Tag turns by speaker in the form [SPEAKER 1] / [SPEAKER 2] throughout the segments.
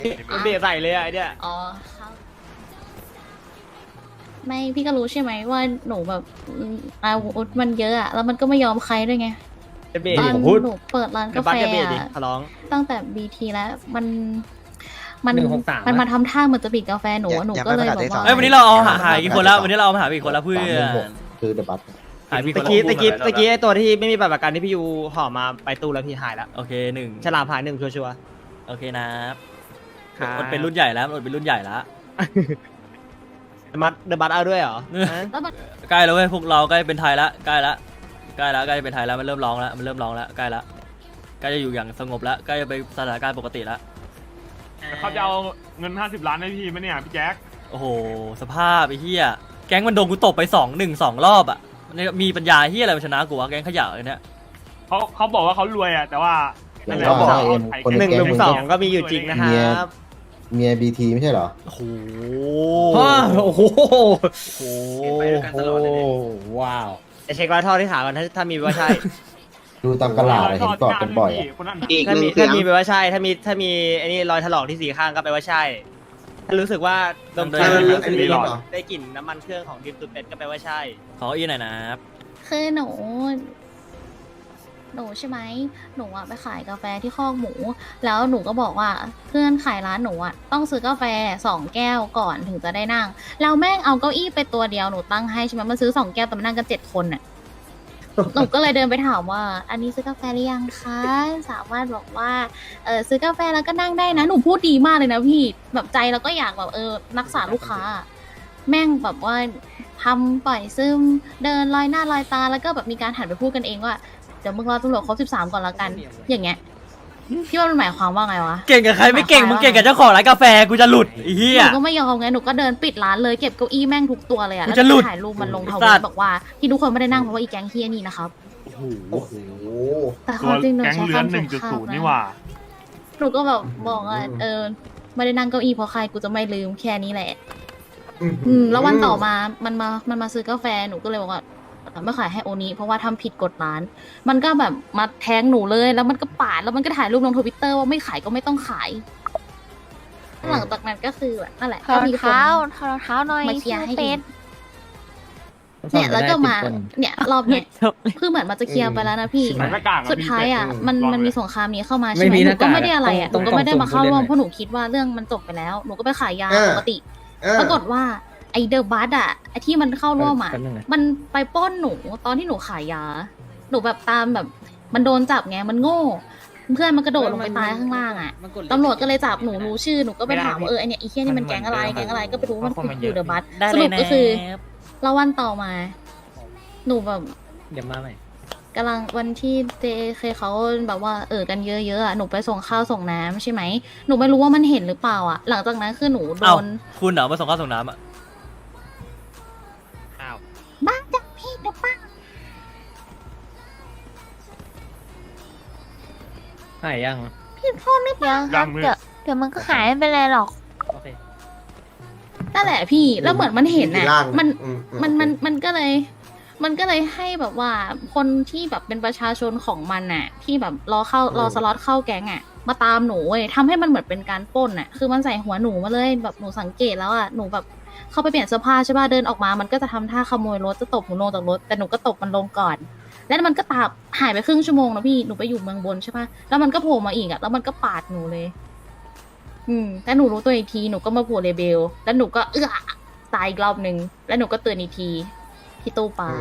[SPEAKER 1] เบรใส่เลยอะไอเนี่ย
[SPEAKER 2] อ๋อครับไม่พี่ก็รู้ใช่ไหมว่าหนูแบบอาวุธมันเยอะอะแล้วมันก็ไม่ยอมใครด้วยไง
[SPEAKER 1] จะเบร
[SPEAKER 2] ตอน
[SPEAKER 1] พูด
[SPEAKER 2] หนูเปิดร้าน
[SPEAKER 1] เดี๋ย
[SPEAKER 2] กาว แฟ
[SPEAKER 1] บัสจะเบรดิ
[SPEAKER 2] อะ
[SPEAKER 1] ขอร้อง
[SPEAKER 2] ตั้งแต่บีทีแล้วมันมัน
[SPEAKER 3] 163
[SPEAKER 2] มันมาทำท่าเหมือนจะบิดกาแฟหนูอะหนูก็เลยแบบว่า
[SPEAKER 4] เอ้ยวันนี้เราเอาหากี่คนแล้ววันนี้เราเอามาหากี่คนแล้วเพื่อน
[SPEAKER 5] คือเดอะบัต
[SPEAKER 4] หายกี่ค
[SPEAKER 1] ตะ
[SPEAKER 4] น
[SPEAKER 1] กี้
[SPEAKER 4] แล้ว
[SPEAKER 1] ตะกี้ไอตัวที่ไม่มีบัตรประกันที่พี่ยูห่อมาไปตู้แล้วพี่หายแล้ว
[SPEAKER 4] โอเคหนึ่ง
[SPEAKER 1] ฉลามหายหนึ่งชัวร์
[SPEAKER 4] โอเคนะ
[SPEAKER 1] ๆครับ
[SPEAKER 4] มันเป็นรุ่นใหญ่แล้วมันเป็นรุ่นใหญ่แล้ว
[SPEAKER 1] เดอะบัตเอาด้วยเหรอฮะ
[SPEAKER 2] แล้วมัน
[SPEAKER 4] ใกล้แล้วเว้ยพวกเราใกล้เป็นไทยละใกล้ละใกล้ละใกล้จะเป็นไทยแล้วมันเริ่มร้องแล้วมันเริ่มร้องแล้วใกล้ละใกล้จะอยู่อย่างสงบแล้วใกล้จะไปสถานการณ์ปกติแล้ว
[SPEAKER 6] เขาจะเอาเงิน50 ล้านให้พี่ไหมเนี่ยพี่แจ็ค
[SPEAKER 4] โอ้โหสภาพไอ้เหี้ยแก๊งมันโดนกูตบไป2-1-2 รอบอ่ะมีปัญญาเหี้ยอะไรมาชนะกูวะแก๊งขยะเลยเนี่ย
[SPEAKER 6] เขาบอกว่าเขารวยอ่ะแต่ว่า
[SPEAKER 5] อย่าง
[SPEAKER 6] นั่นแหละ
[SPEAKER 5] ว่าเอ็มคน
[SPEAKER 1] ห
[SPEAKER 5] ใน
[SPEAKER 1] นึ่ง
[SPEAKER 5] แก๊
[SPEAKER 1] ลุ
[SPEAKER 5] ง
[SPEAKER 1] ม
[SPEAKER 5] มึง
[SPEAKER 1] สอ
[SPEAKER 5] ก็
[SPEAKER 1] งก็มีอยู่จริงนะครับ
[SPEAKER 5] เมียบีทีไม่ใช่เหรอ
[SPEAKER 4] โอ้โห
[SPEAKER 3] โอ้โห
[SPEAKER 4] โอ้โห
[SPEAKER 3] ไปด้วยกันตลอดเลยเนี่ยว้าว
[SPEAKER 1] จะเช็ครอยท่อที่ขาก่อนถ้ามีว่าใช่
[SPEAKER 5] ดูตามกระลาดอะเห็นกอดกันบ่อยอะ
[SPEAKER 6] คนนั้น
[SPEAKER 7] อีก
[SPEAKER 1] ถ้า
[SPEAKER 7] หนึ่
[SPEAKER 1] มี
[SPEAKER 7] งเสียง
[SPEAKER 1] แปลว่าใช่ถ้ามีไอ้นี่รอยถลอกที่สี่ข้างก็แปลว่าใช่ ถ้ารู้สึกว่าดมกลิ่น
[SPEAKER 5] อันนี้หรอ
[SPEAKER 1] ได้กลิ่นน้ำมันเครื่องของดิมตุดเป็ดก็แปลว่าใช่
[SPEAKER 4] ขออีหน่อยนะครับ
[SPEAKER 2] คือหนูใช่ไหมหนูอะไปขายกาแฟที่คอกหมู แล้วหนูก็บอกว่าเพื่อนขายร้านหนูอะต้องซื้อกาแฟ2 แก้วก่อนถึงจะได้นั่งแล้วแม่งเอาเก้าอี้ไปตัวเดียวหนูตั้งให้ใช่ไหมมันซื้อ2 แก้วแต่มันนั่งกัน7 คนอะ หนูก็เลยเดินไปถามว่า อันนี้ซื้อกาแฟหรือยังคะสามารถบอกว่าซื้อกาแฟแล้วก็นั่งได้นะหนูพูดดีมากเลยนะพี่แบบใจแล้วก็อยากแบบรักษาลูกค้า แม่งแบบว่าทำปล่อยซึมเดินลอยหน้าลอยตาแล้วก็แบบมีการหันไปพูดกันเองว่าเดี๋ยวมึงรอตำรวจครบ13ก่อนละกัน อย่างเงี้ยพี่ว่ามันหมายความว่าไงวะ
[SPEAKER 4] เก่งกับใครไม่เก่งมึงเก่งกับเจ้าของร้านกาแฟกูจะหลุดไอ้เหี้
[SPEAKER 2] ห
[SPEAKER 4] ย
[SPEAKER 2] นูก็ไม่ยอมไงหนูก็เดินปิดร้านเลยเก็บเก้าอี้แม่งทุกตัวเลยอะ
[SPEAKER 4] กู
[SPEAKER 2] แล้ว
[SPEAKER 4] จะหลุด
[SPEAKER 2] ถ่ายรูปมันลงท
[SPEAKER 4] ไอ้
[SPEAKER 2] วิ
[SPEAKER 4] สั
[SPEAKER 2] ต
[SPEAKER 4] ตว์
[SPEAKER 2] บอกว่าที่ทุกคนไม่ได้นั่งเพราะว่าอีแก๊งเฮียนี่นะครับ
[SPEAKER 5] โอ้โห
[SPEAKER 2] แต่ค
[SPEAKER 6] ตัว
[SPEAKER 2] วามจริงหนู
[SPEAKER 6] แก๊ง
[SPEAKER 2] ใช้
[SPEAKER 6] เลื้
[SPEAKER 2] ค
[SPEAKER 6] อ
[SPEAKER 2] วาน มสุภาพ
[SPEAKER 6] 1.0 นี่หว่า
[SPEAKER 2] หนูก็แบบบอกว่าไม่ได้นั่งเก้าอี้เพราะใครกูจะไม่ลืมแค่นี้แหละ แล้ววันต่อมามันมาซื้อกาแฟหนูก็เลยบอกว่าไม่ขายให้โอนี้เพราะว่าทำผิดกฎร้าน มันก็แบบมาแทงหนูเลยแล้วมันก็ปาดแล้วมันก็ถ่ายรูปลงทวิตเตอร์ว่าไม่ขายก็ไม่ต้องขาย หลังจากนั้นก็คือแบบนั่นแหละ
[SPEAKER 8] ถอด
[SPEAKER 2] ก็
[SPEAKER 8] รอ
[SPEAKER 2] มี
[SPEAKER 8] ง
[SPEAKER 2] คน
[SPEAKER 8] เท้าถอดรองเท้าหน่อย
[SPEAKER 2] มาเคลียร์ให้
[SPEAKER 8] เป็
[SPEAKER 2] อี
[SPEAKER 8] ด
[SPEAKER 2] กเนี่ยแล้วก็มาเนี่ยรอบเนี่ยคือเหมือนมันจะเคลียร์ไปแล้วนะพี่
[SPEAKER 6] ใส่หน้ากากอะ
[SPEAKER 2] สุดท้ายอ่ะ
[SPEAKER 6] พี่
[SPEAKER 2] มันมีสงครามนี้เข้ามาใช่ไหมหนูก็ไม่ได้อะไรอ่ะหนูก็ไม่ได้มาเข้าร่วมเพราะหนูคิดว่าเรื่องมันจบไปแล้วหนูก็ไปขายยาปกติ ปรากฏว่าไอเดอะบัสอ่ะไอที่มันเข้าร่วมอ่ะมันไปปล้นหนูตอนที่หนูขายยา หนูแบบตามแบบมันโดนจับไงมันโง่ เพื่อนมันกระโดดลงไปตายข้างล่างอ่ะตำรวจก็เลยจับหนูรู้ชื่อหนูก็ไปถามว่าไอเนี่ยไอเคียนี่มันแก๊งอะไรก็ไปรู้ว่ามันคือเดอะบัส
[SPEAKER 4] ได้
[SPEAKER 2] ส
[SPEAKER 4] เล
[SPEAKER 2] รุ
[SPEAKER 4] ย
[SPEAKER 2] ป
[SPEAKER 4] นะ
[SPEAKER 2] ก็คือแล้ววันต่อมา หนูแบบ
[SPEAKER 3] เดี๋ยวมาใหม่
[SPEAKER 2] กำลังวันที่เจเคเขาแบบว่ากันเยอะๆอ่ะหนูไปส่งข้าวส่งน้ำใช่ไหมหนูไม่รู้ว่ามันเห็นหรือเปล่าอ่ะ หลังจากนั้นคือหนูโด
[SPEAKER 4] เอ้าน คุณเหรอมาส่งข้าวส่งน้ำอ่ะ
[SPEAKER 1] อ้าว
[SPEAKER 2] บ้าจังพี่เดี๋ยวป้า
[SPEAKER 3] หายยัง
[SPEAKER 2] พี่พ่อไม่
[SPEAKER 8] เดี๋ยวครับเดี๋ยวมันก็หายไม่เป็นไรหรอก
[SPEAKER 3] โอเค
[SPEAKER 2] นั่นแหละพี่แล้วเหมือนมันเห็นอ่ะ
[SPEAKER 5] ร่าง
[SPEAKER 2] มันก็เลยให้แบบว่าคนที่แบบเป็นประชาชนของมันน่ะ ที่แบบรอสล็อตเข้าแก๊งอ่ะ มาตามหนูเว้ยทำให้มันเหมือนเป็นการปล้นอ่ะ คือมันใส่หัวหนูมาเลยแบบหนูสังเกตแล้วอ่ะหนูแบบเข้าไปเปลี่ยนเสื้อผ้าใช่ป่ะเดินออกมามันก็จะทำท่าขโมยรถจะตบหนูลงจากรถแต่หนูก็ตบมันลงก่อน แล้วมันก็ตามหายไปครึ่งชั่วโมงนะพี่หนูไปอยู่เมืองบนใช่ป่ะแล้วมันก็โผล่มาอีกอ่ะแล้วมันก็ปาดหนูเลย แต่หนูรู้ตัวอีกทีหนูก็มาโผล่เรเบลแล้วหนูก็ตายอีกรอบนึงแล้วหนูก็ตื่นอีกทีที่ตู้ปลา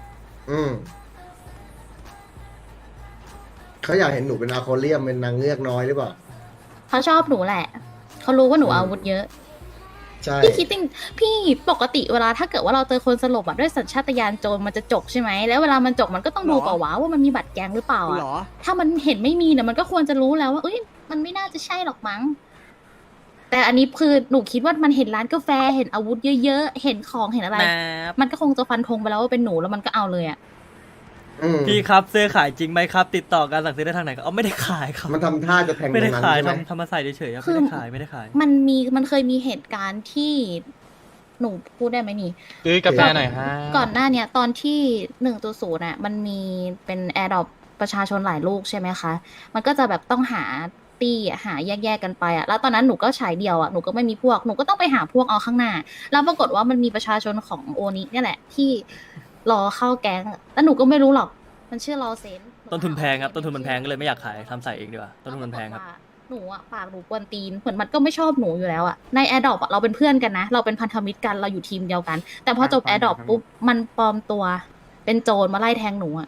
[SPEAKER 5] เขาอยากเห็นหนูเป็นอาโคเรียมเป็นนางเงือกน้อยหรือเปล่า
[SPEAKER 2] เขาชอบหนูแหละ เขารู้ว่าหนูอาวุธเยอะ
[SPEAKER 5] ใช่
[SPEAKER 2] พี่คิดจริงพี่ปกติเวลาถ้าเกิดว่าเราเจอคนสลบอะด้วยสัญชาตญาณโจรมันจะจกใช่ไหมแล้วเวลามันจกมันก็ต้องดูเปล่าวะว่ามันมีบัตรแกงหรือเปล่าอะ
[SPEAKER 1] เหรอ
[SPEAKER 2] ถ้ามันเห็นไม่มีเนี่ยมันก็ควรจะรู้แล้วว่าเอ้ยมันไม่น่าจะใช่หรอกมั้ง แต่อันนี้คือหนูคิดว่ามันเห็นร้านกาแฟเห็นอาวุธเยอะๆเห็นของเห็นอะไร
[SPEAKER 4] นะ
[SPEAKER 2] มันก็คงจะฟันธงไปแล้วว่าเป็นหนูแล้วมันก็เอาเลยอะ
[SPEAKER 4] พี่ครับเสื้อขายจริงไหมครับ ติดต่อการสั่งซื้อได้ทางไหนครับไม่ได้ขายครับ
[SPEAKER 5] มันทำท่าจะแทง
[SPEAKER 4] ไม่ได้
[SPEAKER 5] ตรงนั้น
[SPEAKER 4] ขาย
[SPEAKER 5] ใช่ไหม
[SPEAKER 4] ทำมาใส่เฉยๆครับไม่ได้ขายไม่ได้ขาย
[SPEAKER 2] มันเคยมีเหตุการณ์ที่หนูพูดได้ไหมนี่
[SPEAKER 6] ซื้อกาแฟหน่อยฮะ
[SPEAKER 2] ก่อนหน้าเนี้ยตอนที่1.0น่ะมันมีเป็นแอร์ดรอปประชาชนหลายลูกใช่ไหมคะ มันก็จะแบบต้องหาตี้อะหาแยกๆกันไปอะแล้วตอนนั้นหนูก็ฉายเดียวอะหนูก็ไม่มีพวกหนูก็ต้องไปหาพวกเอาข้างหน้า แล้วปรากฏว่ามันมีประชาชนของโอนิเนี่ยแหละ ที่รอเข้าแก๊งอะแล้วหนูก็ไม่รู้หรอกมันชื่อรอเซน
[SPEAKER 4] ต้นทุนแพงครับต้นทุนมันแพงก็เลยไม่อยากขายทำใส่เองดีกว่าต้นทุนมันแพงครับ
[SPEAKER 2] หนูอะปากหนูกวนตีนเหมือนมันก็ไม่ชอบหนูอยู่แล้วอะในแอร์ดรอปเราเป็นเพื่อนกันนะ เราเป็นพันธมิตรกันเราอยู่ทีมเดียวกัน แต่พอจบแอร์ดรอปปุ๊บมันปลอมตัวเป็นโจรมาไล่แทงหนูอะ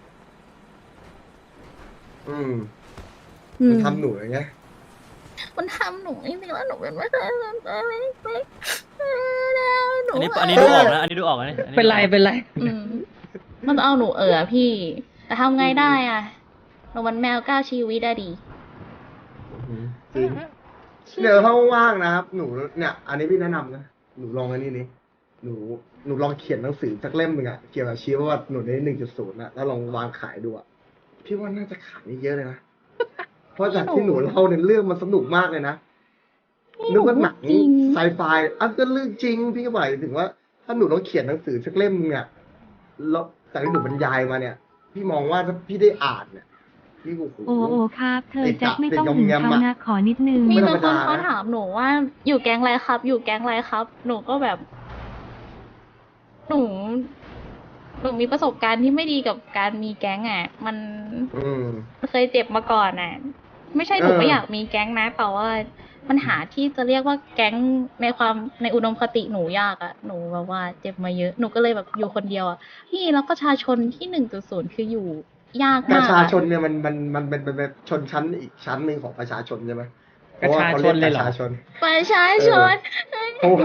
[SPEAKER 5] อืม
[SPEAKER 2] อื
[SPEAKER 5] มัน
[SPEAKER 2] ม
[SPEAKER 5] ทำหนูอย่างเงี้ย
[SPEAKER 2] มันทำหนูจริงๆแล้วหนูเป็นไม่เคยทำอะไรเลยหนู
[SPEAKER 4] อันนี้ดูออกนะอันนี้ดูออกนะอั
[SPEAKER 3] เป็นไรเป็นไร
[SPEAKER 2] อืมมันเอาหนูพี่ แต่ทำไงได้อะหนูมันแมวก้าวชีวิตอะดี
[SPEAKER 5] จริงเดี๋ยวถ้าว่างๆนะครับ หนูเนี่ย อันนี้พี่แนะนำนะหนูลองอันนี้หนูลองเขียนหนังสือสักเล่มหนึ่งอะเกี่ยวกับชีวประวัติหนูใน1.0นะแล้วลองวางขายดูอะพี่ว่าน่าจะขายได้เยอะเลยนะ เพราะจากที่หนูเล่าในยเรื่องมันสนุกมากเลยนะนึกว่าหนัง
[SPEAKER 2] จริง
[SPEAKER 5] ไซไฟอันก็เรื่องจริง พี่ก็หมายถึงว่า ถ้าหนูต้องเขียนหนังสือสักเล่มเนี่ยแล้วจากที่หนูบรรยายมาเนี่ย พี่มองว่าถ้าพี่ได้อ่านเนี่ยพี่โอ้โห
[SPEAKER 7] โอ้โอครับ เธอ
[SPEAKER 5] ติด
[SPEAKER 7] แจ็ค
[SPEAKER 5] อะ
[SPEAKER 7] ไม่ต้อง
[SPEAKER 5] ติด
[SPEAKER 7] ถึง
[SPEAKER 5] ยำๆ
[SPEAKER 7] เขา
[SPEAKER 5] อะ
[SPEAKER 7] นะขอนิดนึง
[SPEAKER 2] มี
[SPEAKER 5] ไม่ธร
[SPEAKER 2] บาร ง
[SPEAKER 5] ม
[SPEAKER 2] ค
[SPEAKER 5] ดา
[SPEAKER 2] นเขา
[SPEAKER 5] นะ
[SPEAKER 2] ถามหนูว่าอยู่แก๊งอะไรครับ อยู่แก๊งอะไรครับ หนูก็แบบ หนูมีประสบการณ์ที่ไม่ดีกับการมีแก๊งอ่ะ มัน
[SPEAKER 5] อืม
[SPEAKER 2] เคยเจ็บมาก่อนอ่ะ ไม่ใช่หนู
[SPEAKER 5] เออ
[SPEAKER 2] ไม่อยากมีแก๊งนะแต่ว่ามันหาที่จะเรียกว่าแก๊งในอุดมคติหนูยากอ่ะหนูแบบว่าเจ็บมาเยอะหนูก็เลยแบบอยู่คนเดียวอ่ะพี่แล้วประชาชนที่1.0คืออยู่ยาก
[SPEAKER 5] ป
[SPEAKER 2] มาก
[SPEAKER 5] ระชา
[SPEAKER 2] อะ
[SPEAKER 5] ชนเนี่ยมันเป็นชนชั้นอีกชั้นหนึ่งของประชาชนใช่ไหม
[SPEAKER 3] ประชาชนเลยเหรอ
[SPEAKER 5] พาะว่าขากประชาชน
[SPEAKER 2] ประชาชน
[SPEAKER 5] เพราะว่า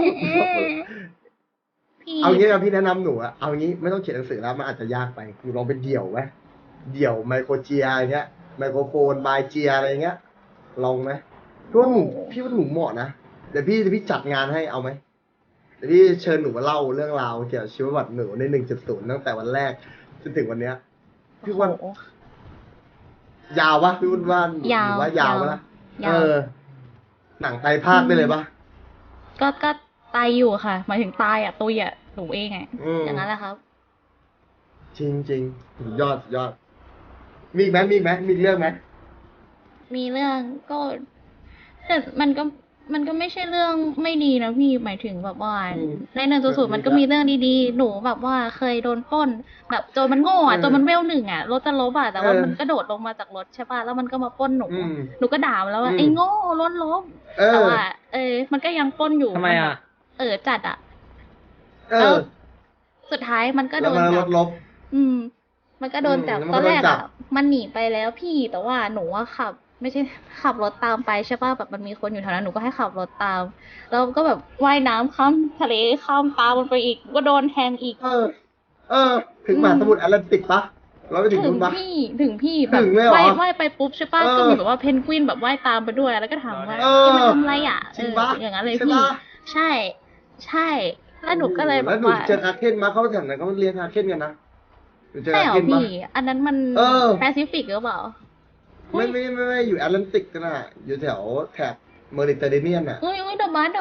[SPEAKER 2] พี่
[SPEAKER 5] เอางี้นะพี่แนะนำหนูอะเอางี้ไม่ต้องเขียนหนังสือแล้วมันอาจจะยากไปหนูลองเป็นเดี่ยวไหมเดี่ยวไมโครเจียอย่างเงี้ยไมโครโฟนบายเจียอะไรเงี้ยลองไหมพี่ว่าหนูเหมาะนะเดี๋ยวพี่จัดงานให้เอาไหมเดี๋ยวพี่เชิญหนูมาเล่าเรื่องราวเกี่ยวกับชีวประวัติหนูใน1.0ตั้งแต่วันแรกจนถึงวันเนี้ยพี่ว่า
[SPEAKER 2] โอ้โห
[SPEAKER 5] ยาวปะพี่ว่าย
[SPEAKER 2] าว
[SPEAKER 5] หรือว่ายาวปะล่ะ
[SPEAKER 2] ยาว
[SPEAKER 5] หนังไตรภาคได้เลยปะ
[SPEAKER 2] ก็ตายอยู่ค่ะหมายถึงตายอ่ะตุยอ่ะหนูเองอ่ะ
[SPEAKER 5] อืม
[SPEAKER 2] อย่างนั้นแหละครับ
[SPEAKER 5] จริงจริงสุดยอดสุดยอด มีอีกไหมมีเรื่องไหม
[SPEAKER 2] มีเรื่องก็แต่มันก็ไม่ใช่เรื่องไม่ดีนะพี่หมายถึงแบบว่าใน1.0มันก็มีเรื่องดีๆหนูแบบว่าเคยโดนปล้น แบบโจรมันโง่อ่ะโจรมันเวล1อ่ะรถจะลบอ่ะแต่ว่ามันกระโดดลงมาจากรถใช่ป่ะแล้วมันก็มาปล้นหนู
[SPEAKER 5] อืม
[SPEAKER 2] หนูก็ด่ามันแล้วว่า
[SPEAKER 5] อืม
[SPEAKER 2] ไอ้โง่รถลบ
[SPEAKER 5] เอ
[SPEAKER 2] แต่
[SPEAKER 5] อ
[SPEAKER 2] ว่ามันก็ยังปล้นอยู่
[SPEAKER 3] ทำไมอ่ะ
[SPEAKER 2] จัดอ่ะ
[SPEAKER 5] เอ
[SPEAKER 2] แล้ว
[SPEAKER 5] อ
[SPEAKER 2] สุดท้ายมันก็
[SPEAKER 5] แล้
[SPEAKER 2] โด
[SPEAKER 5] วน มันล
[SPEAKER 2] จั
[SPEAKER 5] ด
[SPEAKER 2] บ
[SPEAKER 5] ลบ
[SPEAKER 2] มันก็โดนจับ
[SPEAKER 5] แล้วมัน
[SPEAKER 2] ต
[SPEAKER 5] ก็
[SPEAKER 2] อนแรก
[SPEAKER 5] โดนจั
[SPEAKER 2] อ่ะ
[SPEAKER 5] บ
[SPEAKER 2] มันหนีไปแล้วพี่แต่ว่าหนูว่าขับ ไม่ใช่ขับรถตามไปใช่ป่ะแบบมันมีคนอยู่แถวนั้นหนูก็ให้ขับรถตามแล้วก็แบบว่ายน้ำข้ามทะเลข้ามตามมันไปอีกก็โดนแทงอีก
[SPEAKER 5] ถึงมหาสมุทรแอตแลนติกปะเราไปถึง
[SPEAKER 2] ถึ
[SPEAKER 5] นู่
[SPEAKER 2] ง
[SPEAKER 5] นปะ
[SPEAKER 2] พี่แบบ
[SPEAKER 5] ถึงเลยเหรอ
[SPEAKER 2] ว่ายไปปุ๊บใช่ป่ะ
[SPEAKER 5] เออ
[SPEAKER 2] ก็มีแบบว่าเพนกวินแบบว่ายตามไปด้วยแล้วก็ถามว่า
[SPEAKER 5] เออ
[SPEAKER 2] มันทำอะไรอ่ะ
[SPEAKER 5] จริงปะ
[SPEAKER 2] อย่างนั้นเลย
[SPEAKER 5] ใช่
[SPEAKER 2] พี่
[SPEAKER 5] ปะ
[SPEAKER 2] ใช่ใช่แล้วหนูก็เลยแบ
[SPEAKER 5] แล้ว
[SPEAKER 2] บ
[SPEAKER 5] หนู
[SPEAKER 2] ว่า
[SPEAKER 5] เจอคาเคนมาเขาแถวไหนเขาเรียนคาเคนกันนะหนูเจอ
[SPEAKER 2] ใช่
[SPEAKER 5] คา
[SPEAKER 2] เหรอ
[SPEAKER 5] เคนปะ
[SPEAKER 2] พี่ อันนั้นมัน
[SPEAKER 5] เออ
[SPEAKER 2] แปซิฟิกหรือเปล่า
[SPEAKER 5] ไม่อยู่แอตแลนติกกันน่ะอยู่แถวแถบเมดิเตอร์เรเนียนน่ะ
[SPEAKER 2] อุ้ยเดอะบัส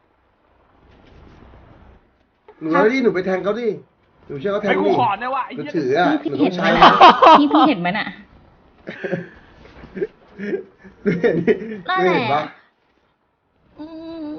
[SPEAKER 5] หนูเอาดิหนูไปแทงเขาดิหนูเชื่อเขาแท
[SPEAKER 6] ไอ้
[SPEAKER 5] ง
[SPEAKER 6] กู
[SPEAKER 5] ดิ
[SPEAKER 6] ขอเนี่ยว่ะไอ้
[SPEAKER 5] หนู
[SPEAKER 6] เหี้ย
[SPEAKER 5] ถืออ่ะ
[SPEAKER 2] พี่
[SPEAKER 5] หนู
[SPEAKER 2] เห็
[SPEAKER 5] ต้อน ง
[SPEAKER 2] ไหม
[SPEAKER 5] ใช้
[SPEAKER 2] น่ะ พี่เห็นไหมน่ะ
[SPEAKER 5] หนูเห็นดิห
[SPEAKER 2] นั่น
[SPEAKER 5] นู
[SPEAKER 2] แหละ
[SPEAKER 5] เห็นปะ
[SPEAKER 2] อืม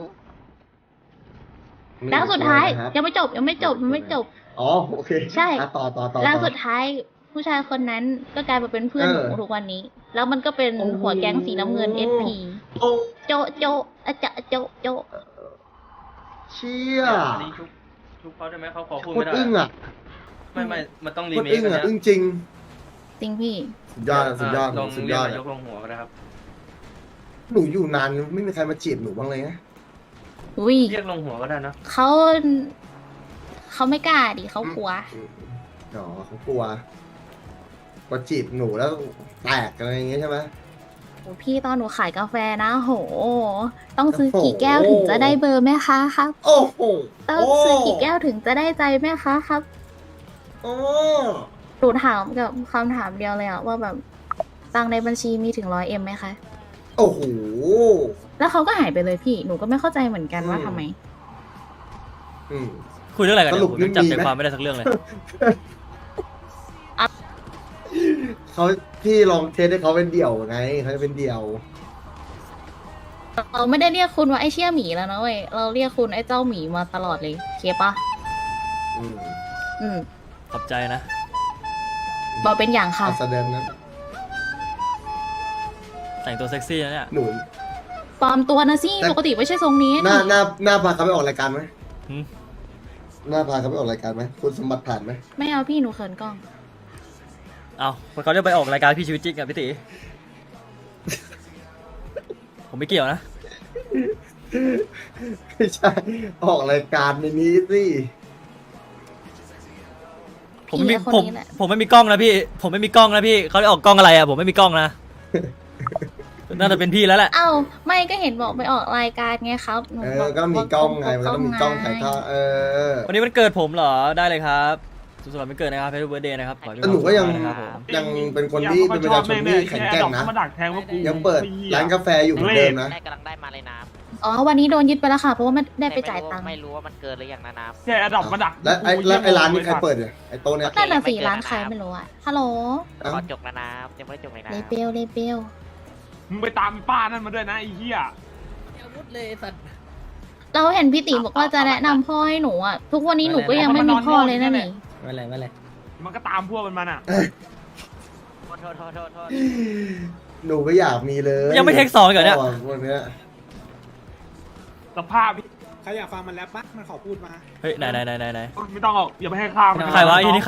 [SPEAKER 2] แล้วสุดท้ายยังไม่จบ
[SPEAKER 5] อ๋อโอเค
[SPEAKER 2] ใช่
[SPEAKER 5] อ่ะต่อ
[SPEAKER 2] แล้วสุดท้ายผู้ชายคนนั้นก็กลายมาเป็นเพื่อนหนูทุกวันนี้ แล้วมันก็เป็นหัวแก๊งสีน้ำเงิน SP
[SPEAKER 5] โอ้
[SPEAKER 2] โจะอะจะโจะ
[SPEAKER 5] เชี่ย
[SPEAKER 9] อันนี้ชุบเขาได้ไหมเขาขอพูด
[SPEAKER 5] โค
[SPEAKER 9] ไม่
[SPEAKER 5] ตร
[SPEAKER 9] ได้
[SPEAKER 5] อึ้งอ่ะ
[SPEAKER 9] ไม่มันต้องรี
[SPEAKER 5] โคตร
[SPEAKER 9] เม
[SPEAKER 5] อึ้
[SPEAKER 9] ค
[SPEAKER 5] ง
[SPEAKER 9] กัน
[SPEAKER 5] อ่ะ
[SPEAKER 9] เนี้ย
[SPEAKER 5] อึ้งจริง
[SPEAKER 2] จริงพี่
[SPEAKER 5] สุดยอดอะสุดยอด
[SPEAKER 9] ลง
[SPEAKER 5] สุด
[SPEAKER 9] เรี
[SPEAKER 5] ย
[SPEAKER 9] ย
[SPEAKER 5] อน ด
[SPEAKER 9] นายกลงหัวก็ได้ครับ
[SPEAKER 5] หนูอยู่นานไม่มีใครมาจีบหนูบ้างเลยนะ
[SPEAKER 2] อุ้ย
[SPEAKER 9] เรียกลงหัวก็ได้นะ
[SPEAKER 2] เขาไม่กล้าดิเขากลัว
[SPEAKER 5] อ๋อเขากลัวมาจีบหนูแล้วแตกอะไรอย่างเงี้ยใช่ไหม
[SPEAKER 2] โอ้พี่ตอนหนูขายกาแฟนะโห ต้องซื้อกี่แก้วถึงจะได้เบอร์แม่ค้าครับ
[SPEAKER 5] โอ้โห
[SPEAKER 2] ต้องซื้อกี่แก้วถึงจะได้ใจแม่ค้าครับ
[SPEAKER 5] โอ้
[SPEAKER 2] หนูถามกับคำถามเดียวเลยอะว่าแบบตังค์ในบัญชีมีถึง100Mไหมคะ
[SPEAKER 5] โอ้โห
[SPEAKER 2] แล้วเขาก็หายไปเลยพี่หนูก็ไม่เข้าใจเหมือนกันว่าทำไม
[SPEAKER 5] อืม
[SPEAKER 4] คุยเรื่องอะไรกัน
[SPEAKER 5] ส
[SPEAKER 4] เนี่
[SPEAKER 5] รุ
[SPEAKER 4] ย
[SPEAKER 5] ป
[SPEAKER 4] ผมยังจับ
[SPEAKER 5] มี
[SPEAKER 4] ใจ
[SPEAKER 5] ไหม
[SPEAKER 4] ความไม่ได้สักเรื่องเลย
[SPEAKER 5] เขาพี่ลองเทสให้เขาเป็นเดี่ยวไงเขาจะเป็นเดี่ยว
[SPEAKER 2] เราไม่ได้เรียกคุณว่าไอเชี่ยหมีแล้วนะเว้ยเราเรียกคุณไอเจ้าหมีมาตลอดเลยโอเคปะ
[SPEAKER 5] อืม
[SPEAKER 2] อืม
[SPEAKER 4] ขอบใจนะ
[SPEAKER 2] บอกเป็นอย่างค่ะ
[SPEAKER 5] การแสดงนั้น
[SPEAKER 4] แต่งตัวเซ็กซี่นะเนี่ย
[SPEAKER 5] หนู
[SPEAKER 2] ปลอมตัวนะสิปกติไม่ใช่ทรงนี้
[SPEAKER 5] หน้าพาเขาไปออกรายการไหม
[SPEAKER 4] หืม
[SPEAKER 5] หน้าพาเขาไปออกรายการไหมคุณสมบัติผ่านไหม
[SPEAKER 2] ไม่เอาพี่หนูเขินกล้อง
[SPEAKER 4] เอาเขาจะไปออกรายการพี่ชีวิตจริงอะพี่ติ ผมไม่เกี่ยวนะ
[SPEAKER 5] ไม่ใช่ ออกรายการในนี้สิ
[SPEAKER 4] ผมไม่มี
[SPEAKER 2] พี่คน
[SPEAKER 4] ผม
[SPEAKER 2] นี้แหละ
[SPEAKER 4] ผมไม่มีกล้องนะพี่ ผมไม่มีกล้องนะพี่เขาได้ออกกล้องอะไรอะผมไม่มีกล้องนะ น่าจะเป็นพี่แล้วแหละ
[SPEAKER 2] เอ้าไม่ก็เห็นบอกไปออกรายการไงครับหนู
[SPEAKER 5] เอ
[SPEAKER 2] บอก
[SPEAKER 5] อก็มีกล้องไงมันก็ต้องมีกล้องถ่ายทอด
[SPEAKER 4] วันนี้มันเกิดผมเหรอได้เลยครับสุขสันต์วันเกิดนะครับ Happy Birthday นะครับขอให้มี
[SPEAKER 5] แต่หนูก็ยัง
[SPEAKER 4] ความสุขนะครับผม
[SPEAKER 5] ยังเป็นคนที่เป็นประชาชนที่แข็งแกร่งนะ
[SPEAKER 6] เขามาดักแทงพวกกู
[SPEAKER 5] ยังเปิดร้านกาแฟอยู่เหมือนเดิมนะ
[SPEAKER 7] ได้กำลังได้มาเลยนะ
[SPEAKER 2] อ๋อวันนี้โดนยึดไปแล้วค่ะ เพราะว่าไม่ได้ไปจ่ายตังค์
[SPEAKER 7] ไม่รู้ว่ามันเกินหรือยังนะน้
[SPEAKER 6] แค่อดอปมาดัก
[SPEAKER 5] แล้วไอ้ร้านนี้ใครเปิดเนี่ยไอ้โต๊ะเนี่ย
[SPEAKER 2] นั่นน่ะสิร้านใครไม่รู้อ่ะฮัลโหล
[SPEAKER 7] ำขอจกนะน้ำยังไม่ได้จกเลยนะ
[SPEAKER 2] เลเบลเลเบล
[SPEAKER 6] มึงไปตามป้านั่นมาด้วยนะไอ้เหี้ย
[SPEAKER 3] อาวุธเลยสัตว์
[SPEAKER 2] เราเห็นพี่ตีบอกว่าจะแนะนำพ่อให้หนูอ่ะทุกวันนี้หนูก็ยังไม่มีพ่อเลยนะนี่
[SPEAKER 3] ไม่เลยไม่เลย
[SPEAKER 6] มันก็ตามพวกมันอ่ะ
[SPEAKER 7] โทษ
[SPEAKER 5] หนูก็อยากมีเลย
[SPEAKER 4] ยังไม่เทคสองอีกเหรอเนี่ย
[SPEAKER 5] พวกเนี้ย
[SPEAKER 6] สภาพ
[SPEAKER 10] ใครอยากฟังมันแรปปะมันขอพูดมา
[SPEAKER 4] เฮ้ยไหน
[SPEAKER 6] ไม่ต้องหรอกอย่าไปให้ข้าวมัน
[SPEAKER 4] ใครวะไอ้นี่